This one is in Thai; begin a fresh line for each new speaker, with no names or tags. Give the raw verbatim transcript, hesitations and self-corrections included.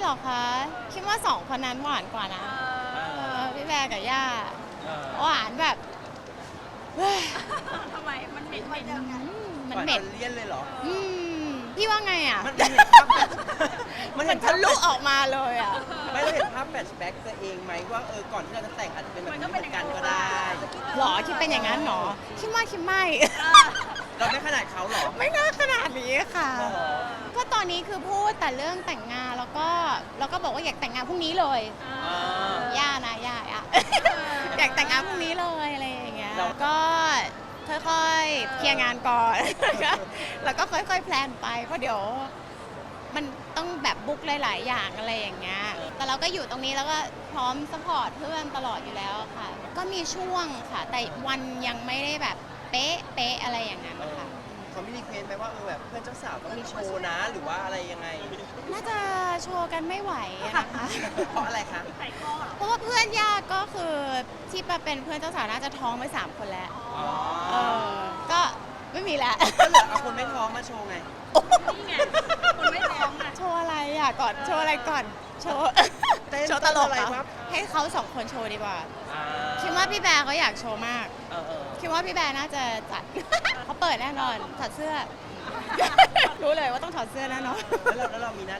รอคะคิดว่าสองคนนั้นหวานกว่านะเออพี่แบร์กับย่า
เออ
หวานแบบเฮ้ย
ทำไมมันเหม็นเหม็นยังไง
มัน
หวา
เหม็น
จเลี่ยนเลยเหรอ
อืมพี่ว่าไงอ่ะ
มันมันเห็นภาพมัน
มั
เห็
น
น
ทะ
ภาพ
ลุออกมาเลยอ่ะ
ไม่ได้เห็นภาพแฟลชแบ็กตัวเองไหมว่าเออก่อนที่เราจะแต่งอาจจะเป็นแบบนี้เหมือนกันก็ได้
หรอคิดเป็นอย่างนั้นหรอคิดว่าคิดไม่
เราไม่ขนาดเขาหรอ
ไม่น่าขนาดนี้ค่ะ
หรอ
ก็ตอนนี้คือพูดแต่เรื่องแต่งงานแล้วก็แล้วก็บอกว่าอยากแต่งงานพรุ่งนี้เลย
อ่า
ย่านะย่าอ่ะ อยากแต่งงานพรุ่งนี้เลยอะไรอย่างเงี้ย
เรา
ก็ค่อยๆเคลียร์งานก่อน แล้วก็ค่อยๆแพลนไปเพราะเดี๋ยวมันต้องแบบบุ๊กหลายๆอย่างอะไรอย่างเงี้ยแต่เราก็อยู่ตรงนี้แล้วก็พร้อมสปอร์ตเพื่อนตลอดอยู่แล้วค่ะ ก็มีช่วงค่ะ แต่วันยังไม่ได้แบบเป๊ะเป๊ะอะไรอย่างนั้น
เออ
ค่ะ
เขาไม่รีเควสไหมว่าเออแบบเพื่อนเจ้าสาวต้องมีโชว์นะหรือว่าอะไรยังไง
น่าจะโชว์กันไม่ไหวอะนะคะ
เพราะอะไรคะ
ไข่ก้อเหรอ
เพราะว่าเพื่อนญาติก็คือที่มาเป็นเพื่อนเจ้าสาวน่าจะท้องไปสามคนแล้ว
อ๋อ
เออก็ไม่มีแล้ว
ก็เหลือเอาคนไม่ท้องมาโชว์ไง
นี่ไงคนไม่ท้องอ่ะ
โชว์อะไรอ่ะก่อนโชว์อะไรก่อนโชว์
เต้น
โชว์ตลก
อะไร
เหรอ
ครับ
ให้เขาสองคนโชว์ดีกว่า
อ่า
คิดว่าพี่แบร์เขาอยากโชว์มาก
เออเออ
คิดว่าพี่แบร์น่าจะจัด เขาเปิดแน่นอนถอดเสื้อ รู้เลยว่าต้องถอดเสื้อแน่นอน
แล้วเราแล้วเรามีหน้า